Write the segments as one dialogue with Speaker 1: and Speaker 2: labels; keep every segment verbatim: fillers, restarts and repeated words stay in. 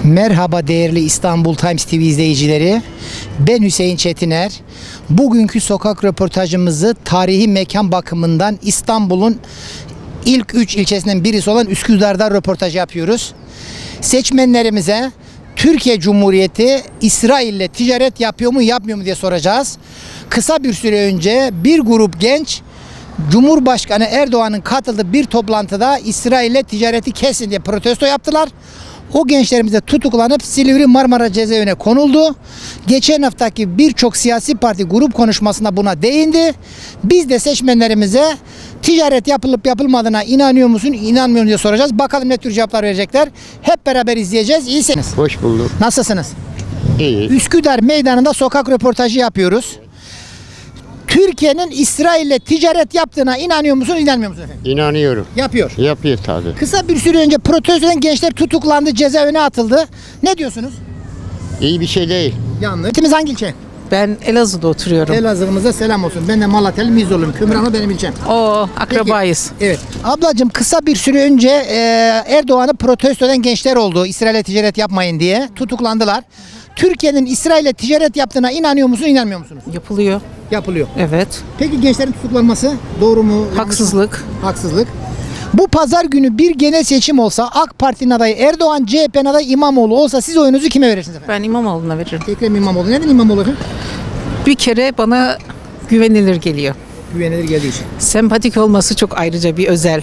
Speaker 1: Merhaba değerli İstanbul Times T V izleyicileri. Ben Hüseyin Çetiner. Bugünkü sokak röportajımızı tarihi mekan bakımından İstanbul'un ilk üç ilçesinden birisi olan Üsküdar'da röportaj yapıyoruz. Seçmenlerimize Türkiye Cumhuriyeti İsrail'le ticaret yapıyor mu yapmıyor mu diye soracağız. Kısa bir süre önce bir grup genç Cumhurbaşkanı Erdoğan'ın katıldığı bir toplantıda İsrail'le ticareti kesin diye protesto yaptılar. O gençlerimiz de tutuklanıp Silivri Marmara Cezaevine konuldu. Geçen haftaki birçok siyasi parti grup konuşmasında buna değindi. Biz de seçmenlerimize ticaret yapılıp yapılmadığına inanıyor musun, inanmıyor musun diye soracağız. Bakalım ne tür cevaplar verecekler. Hep beraber izleyeceğiz. İyisiniz.
Speaker 2: Hoş bulduk.
Speaker 1: Nasılsınız?
Speaker 2: İyi.
Speaker 1: Üsküdar Meydanı'nda sokak röportajı yapıyoruz. Türkiye'nin İsrail'le ticaret yaptığına inanıyor musun, inanmıyor musun efendim?
Speaker 2: İnanıyorum.
Speaker 1: Yapıyor.
Speaker 2: Yapıyor tabii.
Speaker 1: Kısa bir süre önce protesto eden gençler tutuklandı, cezaevine atıldı. Ne diyorsunuz?
Speaker 2: İyi bir şey değil.
Speaker 1: Yanlış. İlçemiz hangi ilçe?
Speaker 3: Ben Elazığ'da oturuyorum.
Speaker 1: Elazığ'ımıza selam olsun. Ben de Malatya'lı Mizorluyum. Kümranlı benim ilçem.
Speaker 3: O akrabayız.
Speaker 1: Peki, evet. Ablacığım kısa bir süre önce e, Erdoğan'ı protesto eden gençler oldu. İsrail'le ticaret yapmayın diye. Tutuklandılar. Türkiye'nin İsrail'le ticaret yaptığına inanıyor musun, inanmıyor musunuz?
Speaker 3: Yapılıyor.
Speaker 1: Yapılıyor.
Speaker 3: Evet.
Speaker 1: Peki gençlerin tutuklanması doğru mu? yanlış mı?
Speaker 3: Haksızlık.
Speaker 1: Haksızlık. Bu pazar günü bir genel seçim olsa AK Parti'nin adayı Erdoğan, C H P'nin adayı İmamoğlu olsa siz oyunuzu kime verirsiniz efendim?
Speaker 3: Ben İmamoğlu'na veririm.
Speaker 1: Ekrem İmamoğlu. Neden İmamoğlu efendim?
Speaker 3: Bir kere bana güvenilir geliyor.
Speaker 1: Güvenilir geldiği için.
Speaker 3: Sempatik olması çok ayrıca bir özel.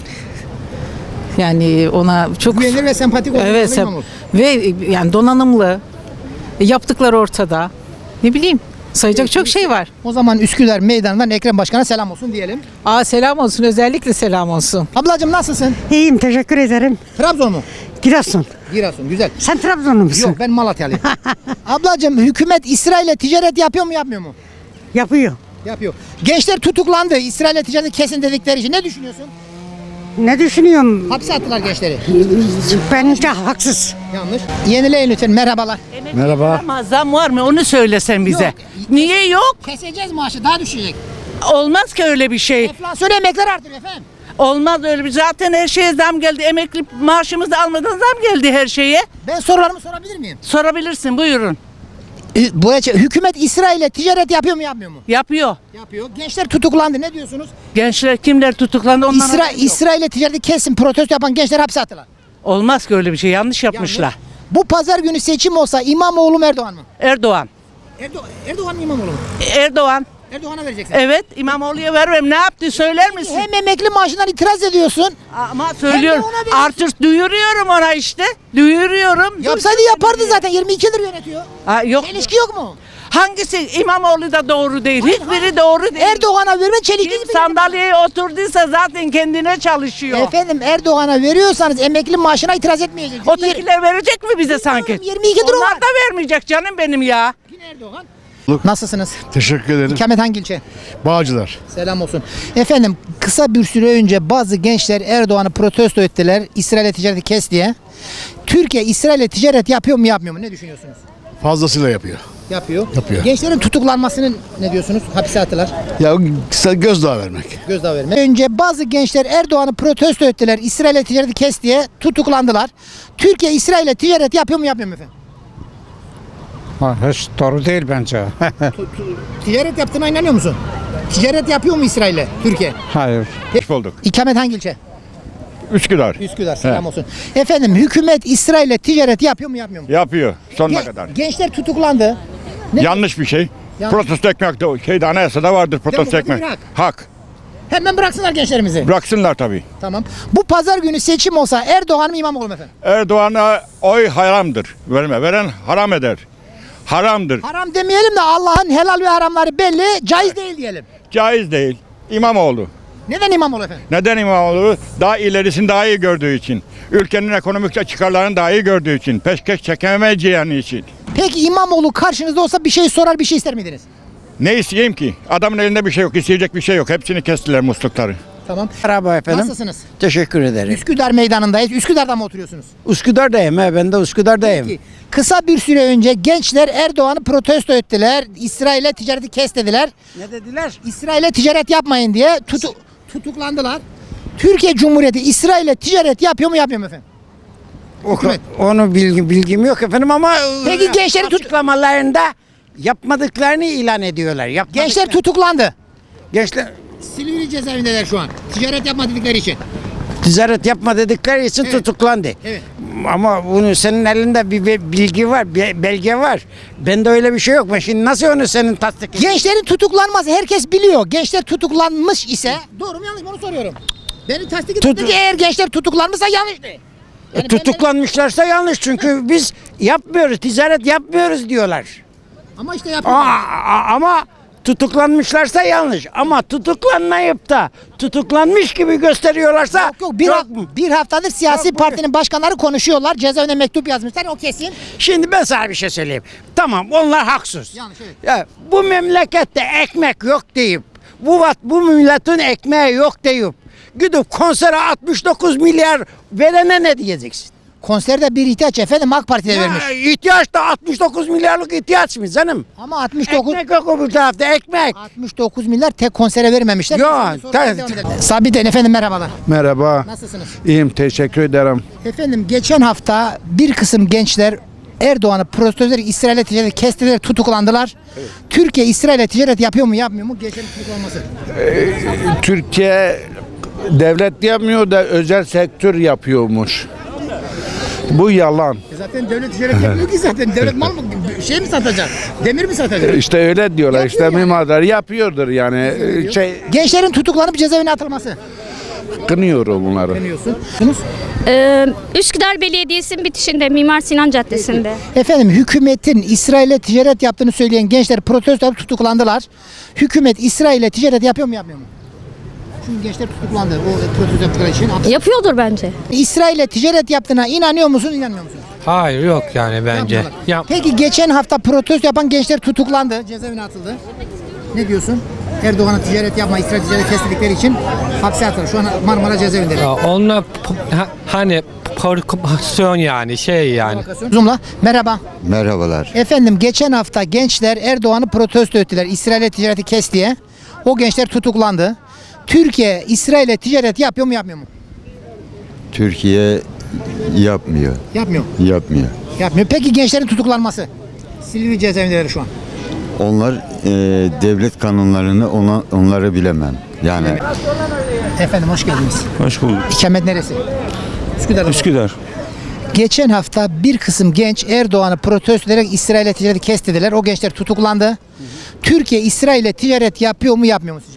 Speaker 3: Yani ona çok...
Speaker 1: Güvenilir ve sempatik olan
Speaker 3: Evet. Sem-
Speaker 1: İmamoğlu.
Speaker 3: ve yani donanımlı. Yaptıkları ortada. Ne bileyim. Sayacak çok şey var.
Speaker 1: O zaman Üsküdar Meydanı'ndan Ekrem Başkan'a selam olsun diyelim.
Speaker 3: Aa selam olsun. Özellikle selam olsun.
Speaker 1: Ablacığım nasılsın?
Speaker 4: İyiyim, teşekkür ederim.
Speaker 1: Trabzon mu?
Speaker 4: Giresun.
Speaker 1: Giresun. Güzel.
Speaker 4: Sen Trabzonlu musun?
Speaker 1: Yok ben Malatyalıyım. Ablacığım hükümet İsrail'le ticaret yapıyor mu yapmıyor mu?
Speaker 4: Yapıyor.
Speaker 1: Yapıyor. Gençler tutuklandı. İsrail'le ticareti kesin dedikleri için. Ne düşünüyorsun?
Speaker 4: Ne düşünüyorum?
Speaker 1: Hapse attılar gençleri.
Speaker 4: Bence haksız.
Speaker 1: Yanlış. Yenileyin lütfen. Merhabalar.
Speaker 5: Merhaba. Ama zam var mı onu söylesen bize.
Speaker 1: Yok.
Speaker 5: Niye yok?
Speaker 1: Keseceğiz maaşı. Daha düşecek.
Speaker 5: Olmaz ki öyle bir şey.
Speaker 1: Enflasyon emekler artıyor efendim.
Speaker 5: Olmaz öyle bir. Zaten her şeye zam geldi. Emekli maaşımızı almadan zam geldi her şeye.
Speaker 1: Ben sorularımı sorabilir miyim?
Speaker 5: Sorabilirsin buyurun.
Speaker 1: Ee, Bu hükümet İsrail'le ticaret yapıyor mu yapmıyor mu?
Speaker 5: Yapıyor.
Speaker 1: Yapıyor. Gençler tutuklandı. Ne diyorsunuz?
Speaker 5: Gençler kimler tutuklandı ondan
Speaker 1: İsra
Speaker 5: haberi yok.
Speaker 1: İsrail'le ticareti kesin protesto yapan gençler hapse attılar.
Speaker 5: Olmaz ki öyle bir şey. Yanlış yapmışlar.
Speaker 1: Yanlış. Bu pazar günü seçim olsa İmamoğlu mu Erdoğan mı?
Speaker 5: Erdoğan.
Speaker 1: Erdo Erdoğan mı İmamoğlu mu?
Speaker 5: Erdoğan.
Speaker 1: Erdoğan'a vereceksin.
Speaker 5: Evet İmamoğlu'ya vermem. Ne yaptı söyler misin?
Speaker 1: Hem emekli maaşından itiraz ediyorsun.
Speaker 5: Ama söylüyorum.
Speaker 1: ona verirsin.
Speaker 5: Artık duyuruyorum ona işte. Duyuruyorum.
Speaker 1: Yapsaydı yapardı zaten yirmi iki yıldır yönetiyor.
Speaker 5: Ha, yok.
Speaker 1: Çelişki yok mu?
Speaker 5: Hangisi İmamoğlu da doğru değil. Hiçbiri doğru değil.
Speaker 1: Erdoğan'a verme çelişki.
Speaker 5: Kim sandalyeye oturduysa zaten kendine çalışıyor.
Speaker 1: Efendim Erdoğan'a veriyorsanız emekli maaşına itiraz etmeyeceksiniz.
Speaker 5: Ötekiler verecek mi bize sanki?
Speaker 1: yirmi iki lira
Speaker 5: Onlar
Speaker 1: var.
Speaker 5: da vermeyecek canım benim ya.
Speaker 1: Yine Erdoğan. Nasılsınız?
Speaker 6: Teşekkür ederim.
Speaker 1: İkamet hangi ilçe?
Speaker 6: Bağcılar.
Speaker 1: Selam olsun. Efendim kısa bir süre önce bazı gençler Erdoğan'ı protesto ettiler. İsrail'le ticareti kes diye. Türkiye İsrail'le ticaret yapıyor mu yapmıyor mu? Ne düşünüyorsunuz?
Speaker 6: Fazlasıyla yapıyor.
Speaker 1: Yapıyor.
Speaker 6: Yapıyor.
Speaker 1: Gençlerin tutuklanmasını ne diyorsunuz? Hapse attılar.
Speaker 6: Ya kısa gözdağı vermek.
Speaker 1: Gözdağı verme. Önce bazı gençler Erdoğan'ı protesto ettiler. İsrail'le ticareti kes diye tutuklandılar. Türkiye İsrail'le ticaret yapıyor mu yapmıyor mu efendim?
Speaker 7: Ha, hiç doğru değil bence.
Speaker 1: Ticaret yaptığına inanıyor musun? Ticaret yapıyor mu İsrail'le Türkiye?
Speaker 7: Hayır.
Speaker 6: Hoş bulduk.
Speaker 1: İkamet hangi ilçe?
Speaker 6: Üsküdar.
Speaker 1: Üsküdar. Selam olsun. Efendim hükümet İsrail'le ticaret yapıyor mu yapmıyor mu?
Speaker 6: Yapıyor sonuna
Speaker 1: Ge-
Speaker 6: kadar.
Speaker 1: Gençler tutuklandı. Ne?
Speaker 6: Yanlış bir şey.
Speaker 1: Yanlış.
Speaker 6: Protesto ekmek de şeyde anayasada vardır protesto
Speaker 1: Demokratik
Speaker 6: ekmek.
Speaker 1: bir hak.
Speaker 6: Hak.
Speaker 1: Hemen bıraksınlar gençlerimizi.
Speaker 6: Bıraksınlar tabii.
Speaker 1: Tamam. Bu pazar günü seçim olsa Erdoğan mı İmamoğlu mu efendim?
Speaker 6: Erdoğan'a oy haramdır. Verme. Veren haram eder. Haramdır.
Speaker 1: Haram demeyelim de Allah'ın helal ve haramları belli, caiz değil diyelim.
Speaker 6: Caiz değil. İmamoğlu.
Speaker 1: Neden İmamoğlu efendim?
Speaker 6: Neden İmamoğlu? Daha ilerisini daha iyi gördüğü için. Ülkenin ekonomik çıkarlarını daha iyi gördüğü için. Peşkeş çekemeyeceği için.
Speaker 1: Peki İmamoğlu karşınızda olsa bir şey sorar, bir şey ister miydiniz?
Speaker 6: Ne isteyeyim ki? Adamın elinde bir şey yok, isteyecek bir şey yok. Hepsini kestiler muslukları.
Speaker 1: Tamam.
Speaker 8: Merhaba efendim.
Speaker 1: Nasılsınız?
Speaker 8: Teşekkür ederim.
Speaker 1: Üsküdar Meydanı'ndayız. Üsküdar'da mı oturuyorsunuz?
Speaker 8: Üsküdar'dayım he, ben de Üsküdar'dayım.
Speaker 1: Peki. Kısa bir süre önce gençler Erdoğan'ı protesto ettiler. İsrail'le ticareti kes dediler.
Speaker 8: Ne dediler?
Speaker 1: İsrail'le ticaret yapmayın diye tutu tutuklandılar. Türkiye Cumhuriyeti İsrail'le ticaret yapıyor mu yapmıyor mu efendim?
Speaker 8: O,
Speaker 1: Hükümet.
Speaker 8: onu bilgi, bilgim yok efendim ama
Speaker 1: Peki gençleri tut-
Speaker 8: açıklamalarında yapmadıklarını ilan ediyorlar. Yapmadıklar-
Speaker 1: Gençler tutuklandı.
Speaker 8: gençler
Speaker 1: Silivri cezaevindeler şu an. Ticaret yapma dedikleri için.
Speaker 8: ticaret yapma dedikleri için
Speaker 1: Evet.
Speaker 8: tutuklandı.
Speaker 1: Evet.
Speaker 8: Ama bunu senin elinde bir be- bilgi var, bir belge var. Bende öyle bir şey yok. Ben şimdi nasıl onu senin tasdik edeyim?
Speaker 1: Gençlerin tutuklanması herkes biliyor. Gençler tutuklanmış ise doğru mu yanlış mı onu soruyorum. Beni tasdik
Speaker 8: Tut-
Speaker 1: edin ki eğer gençler tutuklanmışsa yanlıştı. Yani ben de-
Speaker 8: Tutuklanmışlarsa yanlış çünkü biz yapmıyoruz, ticaret yapmıyoruz diyorlar.
Speaker 1: Ama işte
Speaker 8: Aa,
Speaker 1: yapıyorlar.
Speaker 8: a- ama tutuklanmışlarsa yanlış. Ama tutuklanmayıp da tutuklanmış gibi gösteriyorlarsa
Speaker 1: Yok yok bir,
Speaker 8: çok-
Speaker 1: ha- bir haftadır siyasi
Speaker 8: Yok, bu-
Speaker 1: partinin başkanları konuşuyorlar. Cezaevine mektup yazmışlar o kesin.
Speaker 8: Şimdi ben sana bir şey söyleyeyim. Tamam onlar haksız.
Speaker 1: Yanlış, evet.
Speaker 8: Ya, bu memlekette ekmek yok deyip bu vat bu milletin ekmeği yok deyip gidip konsere altmış dokuz milyar verene ne diyeceksin?
Speaker 1: Konserde bir ihtiyaç efendim AK Parti'de vermiş.
Speaker 8: Ya, ihtiyaç da altmış dokuz milyarlık ihtiyaç mı canım?
Speaker 1: Ama altmış dokuz
Speaker 8: Ekmek yok öbür tarafta ekmek.
Speaker 1: altmış dokuz milyar tek konsere vermemişler.
Speaker 8: Yok,
Speaker 1: Sonra
Speaker 8: tabii.
Speaker 1: devam edelim. Sabiten efendim merhabalar.
Speaker 9: Merhaba.
Speaker 1: Nasılsınız?
Speaker 9: İyiyim, teşekkür ederim.
Speaker 1: Efendim geçen hafta bir kısım gençler Erdoğan'ı protesto ederek İsrail'e ticaret kestiler, tutuklandılar. Türkiye İsrail'e ticaret yapıyor mu yapmıyor mu? Gençlerin tutuklanması.
Speaker 9: Türkiye devlet yapmıyor da özel sektör yapıyormuş. Bu yalan.
Speaker 1: Zaten devlet ticaret yapmıyor ki zaten. Devlet mal mı? Şey mi satacak? Demir mi satacak?
Speaker 9: İşte öyle diyorlar.
Speaker 1: Yapıyor
Speaker 9: işte
Speaker 1: yani.
Speaker 9: mimarlar yapıyordur yani. Şey
Speaker 1: Gençlerin tutuklanıp cezaevine atılması.
Speaker 9: kınıyorum bunları.
Speaker 1: Demiyorsun.
Speaker 10: Ee, Üsküdar Belediyesi'nin bitişinde Mimar Sinan Caddesi'nde.
Speaker 1: Efendim hükümetin İsrail'e ticaret yaptığını söyleyen gençler protesto yapıp tutuklandılar. Hükümet İsrail'e ticaret yapıyor mu yapmıyor mu? Çünkü gençler tutuklandı o protesto yaptıkları için.
Speaker 10: Yapıyordur bence.
Speaker 1: İsrail'e ticaret yaptığına inanıyor musun, inanmıyor musun?
Speaker 11: Hayır yok yani bence.
Speaker 1: Yapmıyorlar.
Speaker 11: Yap.
Speaker 1: Peki geçen hafta protesto yapan gençler tutuklandı, cezaevine atıldı. Ne diyorsun? Erdoğan'a ticaret yapma, İsrail ticaret kestikleri için hapse atıldı. Şu an Marmara cezaevinde.
Speaker 11: Ya onunla p- ha- hani provokasyon yani şey yani.
Speaker 1: Zoom'la. Merhaba.
Speaker 2: Merhabalar.
Speaker 1: Efendim geçen hafta gençler Erdoğan'ı protesto ettiler. İsrail'e ticareti kes diye. O gençler tutuklandı. Türkiye İsrail'e ticaret yapıyor mu yapmıyor mu?
Speaker 2: Türkiye yapmıyor.
Speaker 1: Yapmıyor.
Speaker 2: Yapmıyor.
Speaker 1: Yapmıyor. Peki gençlerin tutuklanması? Silivri cezaevindeler şu an.
Speaker 2: Onlar e, devlet kanunlarını ona, onları bilemem. Yani
Speaker 1: Efendim hoş geldiniz.
Speaker 12: Hoş bulduk.
Speaker 1: İkamet neresi? Üsküdar'da.
Speaker 12: Üsküdar.
Speaker 1: Geçen hafta bir kısım genç Erdoğan'ı protesto ederek İsrail'e ticareti kes dediler. O gençler tutuklandı. Türkiye İsrail'e ticaret yapıyor mu yapmıyor mu sizce?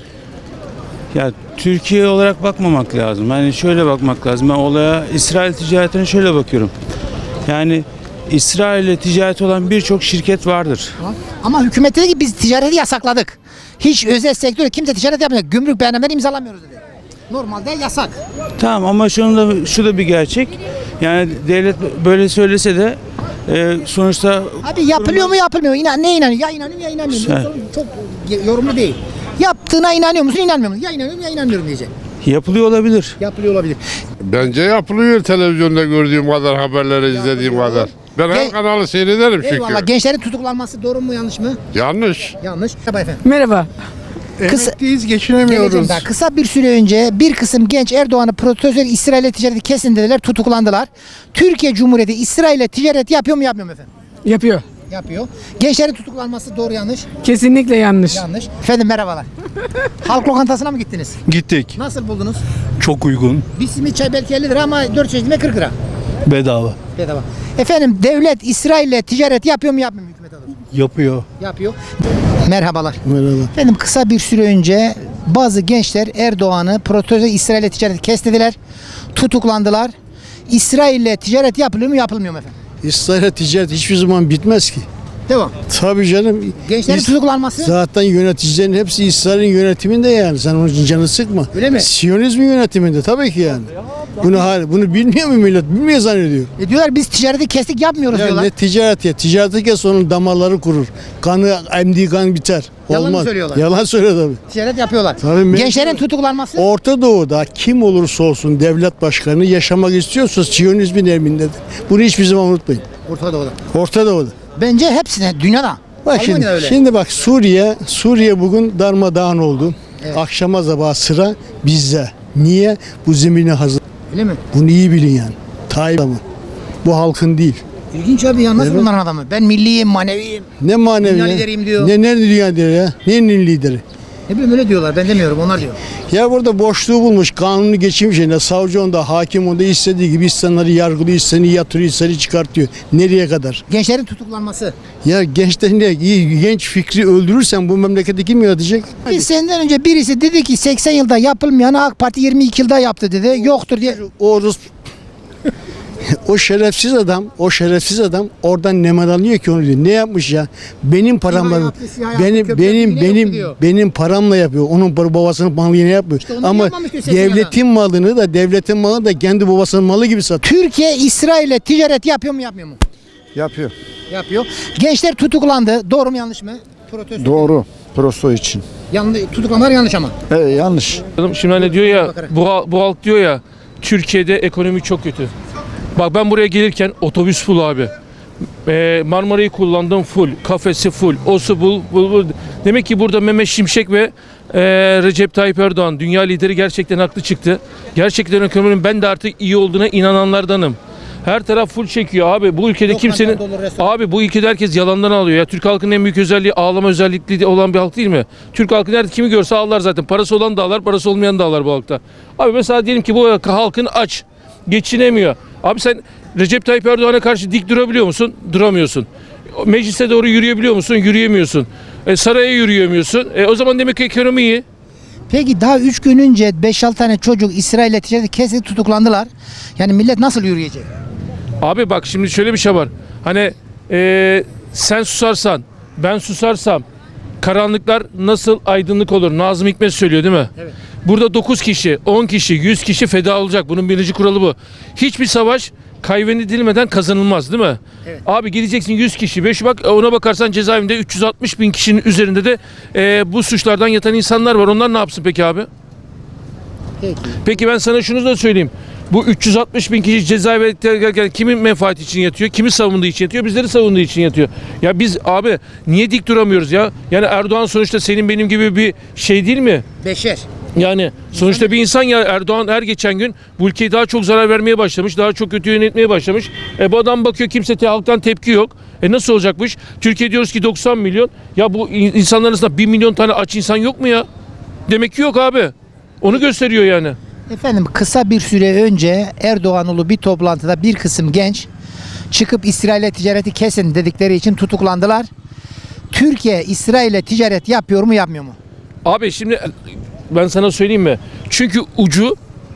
Speaker 12: Ya Türkiye olarak bakmamak lazım. Yani şöyle bakmak lazım. Ben olaya İsrail ticaretine şöyle bakıyorum. Yani İsrail ile ticaret olan birçok şirket vardır.
Speaker 1: Ama hükümet dedi ki biz ticareti yasakladık. Hiç özel sektörde kimse ticaret yapmıyor. Gümrük beyannameleri imzalamıyoruz dedi. Normalde yasak.
Speaker 12: Tamam ama şunun da şu da bir gerçek. Yani devlet böyle söylese de e, sonuçta
Speaker 1: Abi yapılıyor mu yapılmıyor mu? İnan, ne inanıyor? Ya inanıyorum ya inanmıyorum.
Speaker 12: Sen-
Speaker 1: Yoksa Çok yorumlu değil. Yaptığına inanıyor musun inanmıyor musun? Ya inanıyorum ya inanmıyorum diyecek.
Speaker 12: yapılıyor olabilir.
Speaker 1: Yapılıyor olabilir.
Speaker 9: Bence yapılıyor televizyonda gördüğüm kadar, haberleri izlediğim kadar. Ben
Speaker 1: Ge-
Speaker 9: her kanalı seyrederim
Speaker 1: Eyvallah.
Speaker 9: çünkü.
Speaker 1: Gençlerin tutuklanması doğru mu yanlış mı?
Speaker 9: Yanlış.
Speaker 1: Yanlış. Merhaba efendim.
Speaker 3: Merhaba.
Speaker 1: Kısa,
Speaker 9: Emekliyiz,
Speaker 1: geleceğim
Speaker 9: geçinemiyoruz.
Speaker 1: daha. Kısa bir süre önce bir kısım genç Erdoğan'ı protesto ederek İsrail'e ticareti kesin dediler, tutuklandılar. Türkiye Cumhuriyeti İsrail'e ticaret yapıyor mu yapmıyor mu efendim?
Speaker 3: Yapıyor.
Speaker 1: Yapıyor. Gençlerin tutuklanması doğru yanlış?
Speaker 3: Kesinlikle yanlış.
Speaker 1: Yanlış. Efendim merhabalar. Halk lokantasına mı gittiniz?
Speaker 12: Gittik.
Speaker 1: Nasıl buldunuz?
Speaker 12: Çok uygun.
Speaker 1: Bir simit çay belki elli lira ama dört çeşit yemek kırk lira.
Speaker 12: Bedava.
Speaker 1: Bedava. Efendim devlet İsrail'le ticaret yapıyor mu yapmıyor mu hükümet adına?
Speaker 12: Yapıyor.
Speaker 1: Yapıyor. Merhabalar.
Speaker 8: Merhaba.
Speaker 1: Efendim kısa bir süre önce bazı gençler Erdoğan'ı protesto İsrail'le ticaret kes dediler. Tutuklandılar. İsrail'le ticaret yapılıyor mu yapılmıyor mu efendim?
Speaker 8: İsrail'e ticaret hiçbir zaman bitmez ki.
Speaker 1: Devam.
Speaker 8: Tabii canım.
Speaker 1: Gençlerin
Speaker 8: İs-
Speaker 1: tutuklanması.
Speaker 8: Zaten yöneticilerin hepsi İsrail'in yönetiminde yani. Sen onun için canını sıkma.
Speaker 1: Öyle mi?
Speaker 8: Siyonizmin yönetiminde tabii ki yani. Bunu hal- bunu bilmiyor mu millet? Bilmiyor zannediyor.
Speaker 1: E diyorlar biz ticareti kestik yapmıyoruz
Speaker 8: Ya
Speaker 1: diyorlar.
Speaker 8: ne ticaret ya. Ticareti kes onun damarları kurur. Kanı emdiği kan biter.
Speaker 1: Yalan mı
Speaker 8: Olmaz.
Speaker 1: söylüyorlar?
Speaker 8: Yalan söylüyor tabii.
Speaker 1: Ticaret yapıyorlar.
Speaker 8: Tabii mecbur.
Speaker 1: Gençlerin tutuklanması.
Speaker 8: Orta Doğu'da kim olursa olsun devlet başkanı yaşamak istiyorsa Siyonizmin emindedir. Bunu hiçbir zaman unutmayın.
Speaker 1: Orta Doğu'da.
Speaker 8: Orta Doğu'da.
Speaker 1: Bence hepsine dünyada.
Speaker 8: Bak şimdi,
Speaker 1: Almanya'da öyle.
Speaker 8: şimdi bak Suriye, Suriye bugün darmadağın oldu.
Speaker 1: Evet.
Speaker 8: Akşama sabah sıra bizde. Niye? Bu zemini hazır.
Speaker 1: Öyle mi?
Speaker 8: Bunu iyi bilin yani. Tayyip adamı. Bu halkın değil.
Speaker 1: İlginç abi ya, nasıl
Speaker 8: Evet.
Speaker 1: bunların adamı? Ben milliyim, maneviyim.
Speaker 8: Ne manevi
Speaker 1: Dünya
Speaker 8: ya?
Speaker 1: lideriyim diyor.
Speaker 8: Ne, ne dünya lideri ya? Neyin lideri?
Speaker 1: Ne bileyim, öyle diyorlar, ben demiyorum, onlar diyor.
Speaker 8: Ya burada boşluğu bulmuş, kanunu geçirmiş yerine, savcı onda, hakim onda istediği gibi insanları yargılıyor, istediğini yatırıyor, istediğini çıkartıyor. Nereye kadar?
Speaker 1: Gençlerin tutuklanması.
Speaker 8: Ya gençler ne? İyi, genç fikri öldürürsen bu memleketi kim yönetecek?
Speaker 1: Biz senden önce birisi dedi ki seksen yılda yapılmayanı AK Parti yirmi iki yılda yaptı dedi. Yoktur diye.
Speaker 8: O Rus o şerefsiz adam, o şerefsiz adam oradan ne alıyor ki onu diyor. Ne yapmış ya? Benim paramla,
Speaker 1: Siyah yaptı, siyah yaptı,
Speaker 8: benim
Speaker 1: köprü
Speaker 8: benim
Speaker 1: yaptı, yine
Speaker 8: benim
Speaker 1: yok diyor.
Speaker 8: benim paramla yapıyor. Onun babasının malını yine yapmıyor.
Speaker 1: İşte onu
Speaker 8: Ama
Speaker 1: yapmamış diyor seksen
Speaker 8: devletin malını da devletin malını da kendi babasının malı gibi satıyor.
Speaker 1: Türkiye İsrail'le ticaret yapıyor mu yapmıyor mu?
Speaker 2: Yapıyor.
Speaker 1: Yapıyor. Gençler tutuklandı. Doğru mu yanlış mı? Protesto.
Speaker 2: Doğru. Prosto için.
Speaker 1: Yanlış, tutuklamalar yanlış ama.
Speaker 2: E, yanlış.
Speaker 11: Şimdi hani diyor ya
Speaker 1: Bakarak.
Speaker 11: bu, hal- bu halk diyor ya Türkiye'de ekonomi çok kötü. Bak ben buraya gelirken otobüs full abi. Ee, Marmara'yı kullandım full. Kafesi full. Osu full, full, full. Demek ki burada Mehmet Şimşek ve e, Recep Tayyip Erdoğan dünya lideri gerçekten haklı çıktı. Gerçekten ekonominin ben de artık iyi olduğuna inananlardanım. Her taraf full çekiyor abi. Bu ülkede
Speaker 1: Lokanta
Speaker 11: kimsenin
Speaker 1: dolu, restoran.
Speaker 11: abi bu ülkede herkes yalandan alıyor ya. Türk halkının en büyük özelliği ağlama özellikli olan bir halk değil mi? Türk halkı nerede kimi görse ağlar zaten. Parası olan da ağlar, parası olmayan da ağlar bu halkta. Abi mesela diyelim ki bu halkın aç, geçinemiyor. Abi sen Recep Tayyip Erdoğan'a karşı dik durabiliyor musun? Duramıyorsun. Meclise doğru yürüyebiliyor musun? Yürüyemiyorsun. E, saraya yürüyemiyorsun. E, o zaman demek ki ekonomi iyi.
Speaker 1: Peki daha üç gün önce beş altı tane çocuk İsrail'le ticaret kesin tutuklandılar. Yani millet nasıl yürüyecek?
Speaker 11: Abi bak şimdi şöyle bir şey var. Hani e, sen susarsan, ben susarsam karanlıklar nasıl aydınlık olur? Nazım Hikmet söylüyor değil mi?
Speaker 1: Evet.
Speaker 11: Burada dokuz kişi, on kişi, yüz kişi feda olacak. Bunun birinci kuralı bu. Hiçbir savaş kaybedilmeden kazanılmaz değil mi?
Speaker 1: Evet.
Speaker 11: Abi gideceksin yüz kişi, beş bak ona bakarsan cezaevinde üç yüz altmış bin kişinin üzerinde de e, bu suçlardan yatan insanlar var. Onlar ne yapsın peki abi?
Speaker 1: Peki.
Speaker 11: Peki ben sana şunu da söyleyeyim. Bu üç yüz altmış bin kişi cezaevinde kimin menfaati için yatıyor? Kimi savunduğu için yatıyor? Bizleri savunduğu için yatıyor. Ya biz abi niye dik duramıyoruz ya? Yani Erdoğan sonuçta senin benim gibi bir şey değil mi?
Speaker 1: Beşer.
Speaker 11: Yani sonuçta bir insan ya. Erdoğan her geçen gün bu ülkeyi daha çok zarar vermeye başlamış. Daha çok kötü yönetmeye başlamış. E bu adam bakıyor kimse te, halktan tepki yok. E nasıl olacakmış? Türkiye diyoruz ki doksan milyon. Ya bu insanların arasında bir milyon tane aç insan yok mu ya? Demek ki yok abi. Onu gösteriyor yani.
Speaker 1: Efendim kısa bir süre önce Erdoğanlı bir toplantıda bir kısım genç çıkıp İsrail'le ticareti kesin dedikleri için tutuklandılar. Türkiye İsrail'le ticaret yapıyor mu yapmıyor mu?
Speaker 11: Abi şimdi ben sana söyleyeyim mi? Çünkü ucu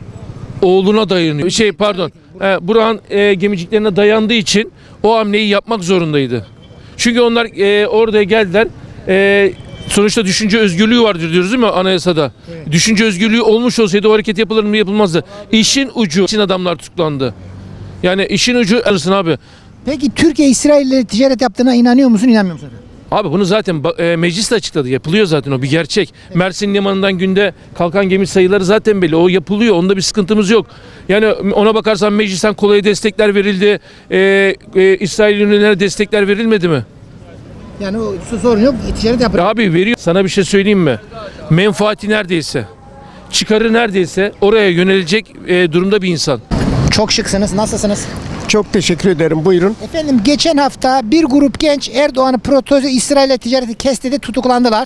Speaker 11: oğluna dayanıyor. Şey pardon. E, Burak'ın e, gemiciklerine dayandığı için o hamleyi yapmak zorundaydı. Çünkü onlar e, oraya geldiler. E, sonuçta düşünce özgürlüğü vardır diyoruz değil mi anayasada? Evet. Düşünce özgürlüğü olmuş olsaydı o hareket yapılır mı yapılmazdı. İşin ucu için adamlar tutuklandı. Yani işin ucu alırsın abi.
Speaker 1: Peki Türkiye İsrail'le ticaret yaptığına inanıyor musun inanmıyor musun?
Speaker 11: Abi bunu zaten e, meclis de açıkladı. Yapılıyor zaten o bir gerçek. Evet. Mersin limanından günde kalkan gemi sayıları zaten belli. O yapılıyor. Onda bir sıkıntımız yok. Yani ona bakarsan meclisten kolaya destekler verildi. E, e, İsrail ürünlerine destekler verilmedi mi?
Speaker 1: Yani o sorun yok. Ticaret yapıyor.
Speaker 11: Abi veriyor. Sana bir şey söyleyeyim mi? Menfaati neredeyse, çıkarı neredeyse oraya yönelecek e, durumda bir insan.
Speaker 1: Çok şıksınız. Nasılsınız?
Speaker 8: Çok teşekkür ederim. Buyurun.
Speaker 1: Efendim geçen hafta bir grup genç Erdoğan'ı protesto İsrail'le ticareti kesti de tutuklandılar.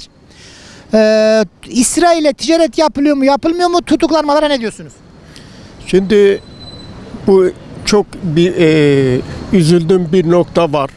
Speaker 1: Ee, İsrail'le ticaret yapılıyor mu yapılmıyor mu? Tutuklanmalara ne diyorsunuz?
Speaker 8: Şimdi bu çok bir e, üzüldüğüm bir nokta var.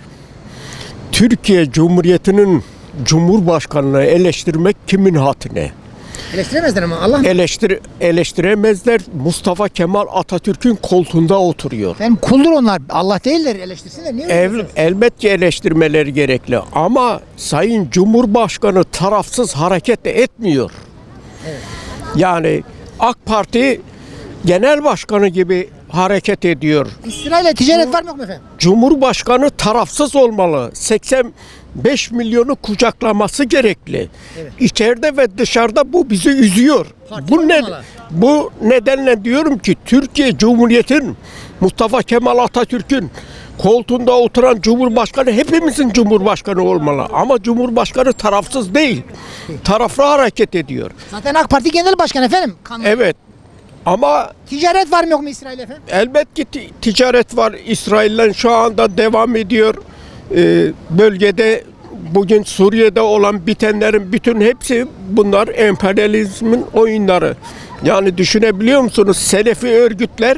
Speaker 8: Türkiye Cumhuriyeti'nin Cumhurbaşkanı'nı eleştirmek kimin haddine?
Speaker 1: Eleştiremezler ama Allah mı?
Speaker 8: Eleştir, eleştiremezler. Mustafa Kemal Atatürk'ün koltuğunda oturuyor.
Speaker 1: Efendim kuldur onlar. Allah değiller eleştirsinler. Niye öyle
Speaker 8: El,
Speaker 1: diyorsunuz?
Speaker 8: elbette eleştirmeleri gerekli ama Sayın Cumhurbaşkanı tarafsız hareket de etmiyor.
Speaker 1: Evet.
Speaker 8: Yani AK Parti Genel Başkanı gibi hareket ediyor.
Speaker 1: İsrail'le ticaret var mı yok mu efendim?
Speaker 8: Cumhurbaşkanı tarafsız olmalı. seksen beş milyonu kucaklaması gerekli.
Speaker 1: Evet.
Speaker 8: İçeride ve dışarıda bu bizi üzüyor.
Speaker 1: Parti
Speaker 8: Bu ne,
Speaker 1: olmalı.
Speaker 8: bu nedenle diyorum ki Türkiye Cumhuriyeti'nin Mustafa Kemal Atatürk'ün koltuğunda oturan Cumhurbaşkanı hepimizin Cumhurbaşkanı olmalı. Ama Cumhurbaşkanı tarafsız değil. Taraflı hareket ediyor.
Speaker 1: Zaten AK Parti Genel Başkanı efendim. Kanun.
Speaker 8: Evet. Ama
Speaker 1: Ticaret var mı yok mu İsrail efendim?
Speaker 8: elbette ti- ticaret var. İsrail'le şu anda devam ediyor. Ee, bölgede bugün Suriye'de olan bitenlerin bütün hepsi bunlar emperyalizmin oyunları. Yani düşünebiliyor musunuz? Selefi örgütler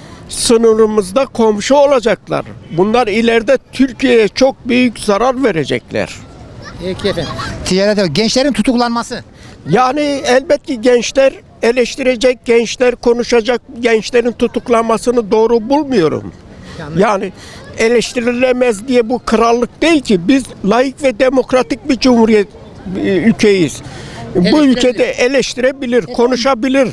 Speaker 8: sınırımızda komşu olacaklar. Bunlar ileride Türkiye'ye çok büyük zarar verecekler.
Speaker 1: Peki efendim. Ticaret gençlerin tutuklanması.
Speaker 8: Yani elbette gençler eleştirecek, gençler konuşacak, gençlerin tutuklanmasını doğru bulmuyorum. Yani eleştirilemez diye bu krallık değil ki. Biz laik ve demokratik bir cumhuriyet e, ülkeyiz. Bu ülkede eleştirebilir, konuşabilir.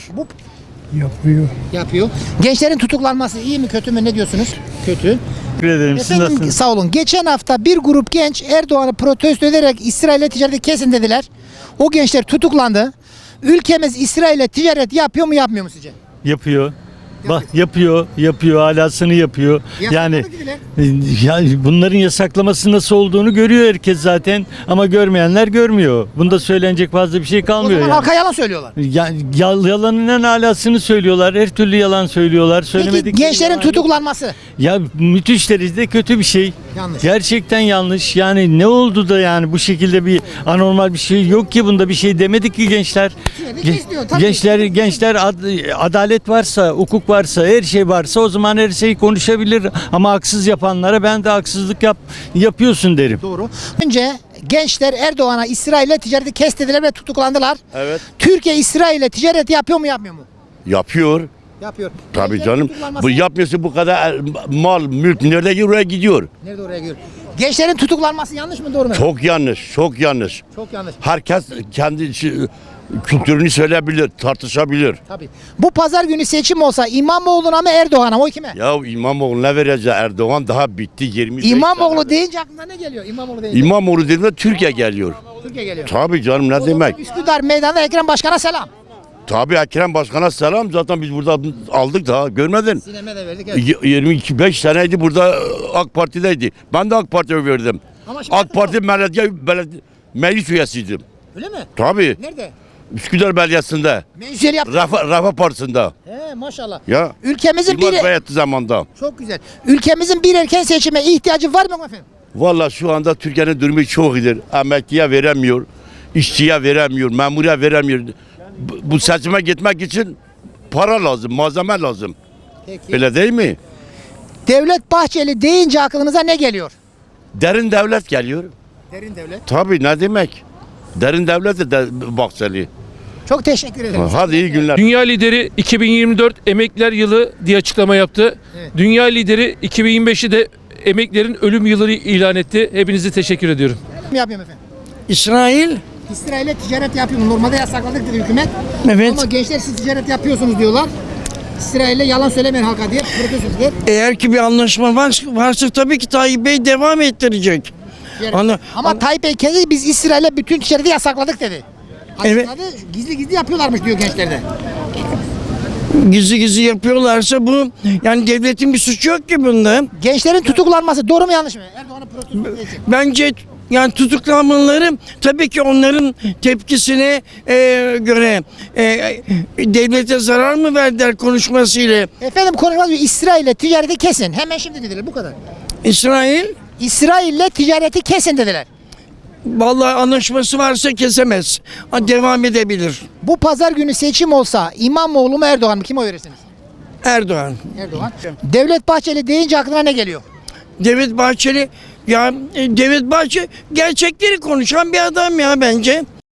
Speaker 9: Yapıyor.
Speaker 1: Yapıyor. Gençlerin tutuklanması iyi mi kötü mü ne diyorsunuz? Kötü.
Speaker 9: Teşekkür ederim. Siz
Speaker 1: Efendim
Speaker 9: nasılsınız?
Speaker 1: sağ olun. Geçen hafta bir grup genç Erdoğan'ı protesto ederek İsrail'le ticareti kesin dediler. O gençler tutuklandı. Ülkemiz İsrail'le ticaret yapıyor mu yapmıyor mu sizce?
Speaker 9: Yapıyor. Bak yapıyor, yapıyor, alasını yapıyor. Yani
Speaker 1: Yasakladı
Speaker 9: ya bunların yasaklaması nasıl olduğunu görüyor herkes zaten ama görmeyenler görmüyor. Bunda söylenecek fazla bir şey
Speaker 1: O
Speaker 9: kalmıyor
Speaker 1: zaman
Speaker 9: yani.
Speaker 1: halka yalan söylüyorlar.
Speaker 9: Ya, yal- yalanın en alasını söylüyorlar. Her türlü yalan söylüyorlar.
Speaker 1: Peki
Speaker 9: Söylemedik.
Speaker 1: gençlerin tutuklanması.
Speaker 9: Ya müthiş derecede kötü bir şey.
Speaker 1: Yanlış.
Speaker 9: Gerçekten yanlış. Yani ne oldu da yani bu şekilde bir anormal bir şey yok ki bunda bir şey demedik ki gençler.
Speaker 1: Ticareti
Speaker 9: Gen-
Speaker 1: kes diyor, tabii.
Speaker 9: gençler gençler ad- adalet varsa, hukuk varsa, her şey varsa o zaman her şeyi konuşabilir ama haksız yapanlara ben de haksızlık yap yapıyorsun derim.
Speaker 1: Doğru. Önce gençler Erdoğan'a İsrail'le ticareti kes dediler ve tutuklandılar.
Speaker 13: Evet.
Speaker 1: Türkiye İsrail'le ticaret yapıyor mu yapmıyor mu?
Speaker 13: Yapıyor.
Speaker 1: Yapıyor.
Speaker 13: Tabii
Speaker 1: Gençlerin
Speaker 13: canım.
Speaker 1: tutuklanması-
Speaker 13: Bu yapmıyorsa bu kadar mal, mülk nerede gidiyor oraya gidiyor.
Speaker 1: Nerede oraya giriyor? Gençlerin tutuklanması yanlış mı doğru mu?
Speaker 13: Çok yanlış, çok yanlış.
Speaker 1: Çok yanlış.
Speaker 13: Herkes kendi şi- kültürünü söyleyebilir, tartışabilir.
Speaker 1: Tabii. Bu pazar günü seçim olsa İmamoğlu'na mı Erdoğan'a mı? O kime?
Speaker 13: Ya İmamoğlu'na vereceği Erdoğan daha bitti yirmi beş
Speaker 1: İmamoğlu
Speaker 13: sene.
Speaker 1: deyince aklına ne geliyor? İmamoğlu deyince.
Speaker 13: İmamoğlu dediğinde Türkiye geliyor.
Speaker 1: Türkiye geliyor.
Speaker 13: Tabii canım ne
Speaker 1: O zaman
Speaker 13: demek?
Speaker 1: Üsküdar Meydanı'nda Ekrem Başkan'a selam.
Speaker 13: Tabii Ekrem Başkan'a selam zaten biz burada aldık da görmedin.
Speaker 1: Sineme de verdik.
Speaker 13: Y- yirmi iki beş seneydi burada AK Parti'deydi. Ben de AK Parti'ye verdim.
Speaker 1: Ama şimdi
Speaker 13: AK Parti belediye, belediye meclis üyesiydim.
Speaker 1: Öyle mi?
Speaker 13: Tabii.
Speaker 1: Nerede?
Speaker 13: Üsküdar Belediyesi'nde.
Speaker 1: Meclisleri yaptı.
Speaker 13: Rafa, Rafa Partisi'nde.
Speaker 1: He maşallah.
Speaker 13: Ya.
Speaker 1: Ülkemizin bir
Speaker 13: Yılmaz Beyatlı zamanda.
Speaker 1: çok güzel. Ülkemizin bir erken seçime ihtiyacı var mı efendim?
Speaker 13: Valla şu anda Türkiye'nin durumu çok iyidir. Emekliye veremiyor. İşçiye veremiyor. Memuriye veremiyor. Bu, bu seçime gitmek için para lazım, malzeme lazım.
Speaker 1: Peki.
Speaker 13: Öyle değil mi?
Speaker 1: Devlet Bahçeli deyince aklınıza ne geliyor?
Speaker 13: Derin devlet geliyor.
Speaker 1: Derin devlet.
Speaker 13: Tabii ne demek? Derin devlet de Bahçeli.
Speaker 1: Çok teşekkür ederim.
Speaker 13: Hadi iyi günler.
Speaker 11: Dünya lideri iki bin yirmi dört emekliler yılı diye açıklama yaptı.
Speaker 1: Evet.
Speaker 11: Dünya lideri iki bin yirmi beşi de emeklilerin ölüm yılı ilan etti. Hepinize teşekkür ediyorum.
Speaker 1: Ne yapıyorum efendim?
Speaker 7: İsrail,
Speaker 1: İsrail'e ticaret yapıyorum. Normalde yasakladık dedi hükümet.
Speaker 7: evet.
Speaker 1: Ama gençler siz ticaret yapıyorsunuz diyorlar. İsrail'le yalan söylemeyin halka diye protesto ediyor.
Speaker 7: Eğer ki bir anlaşma var, varsa tabii ki Tayyip Bey devam ettirecek.
Speaker 1: Yani-
Speaker 7: Ana-
Speaker 1: Ama Tayyip Bey kendi biz İsrail'le bütün ticareti yasakladık dedi.
Speaker 7: Evet.
Speaker 1: Açıkladı, gizli gizli yapıyorlarmış diyor gençlerde.
Speaker 7: Gizli gizli yapıyorlarsa bu, yani devletin bir suçu yok ki bunda.
Speaker 1: Gençlerin tutuklanması doğru mu yanlış mı? Erdoğan'ın protesto ettiği için.
Speaker 7: Bence yani tutuklanmaları tabii ki onların tepkisine e, göre e, devlete zarar mı verdiler konuşmasıyla.
Speaker 1: Efendim konuşmaz diyor İsrail'le ticareti kesin. Hemen şimdi dediler bu kadar.
Speaker 7: İsrail
Speaker 1: İsrail'le ticareti kesin dediler.
Speaker 7: vallahi anlaşması varsa kesemez. Ha, devam edebilir.
Speaker 1: Bu pazar günü seçim olsa İmamoğlu mu Erdoğan mı? Kime oy verirsiniz?
Speaker 7: Erdoğan.
Speaker 1: Erdoğan. Devlet Bahçeli deyince aklına ne geliyor?
Speaker 7: Devlet Bahçeli ya e, Devlet Bahçeli gerçekleri konuşan bir adam ya bence.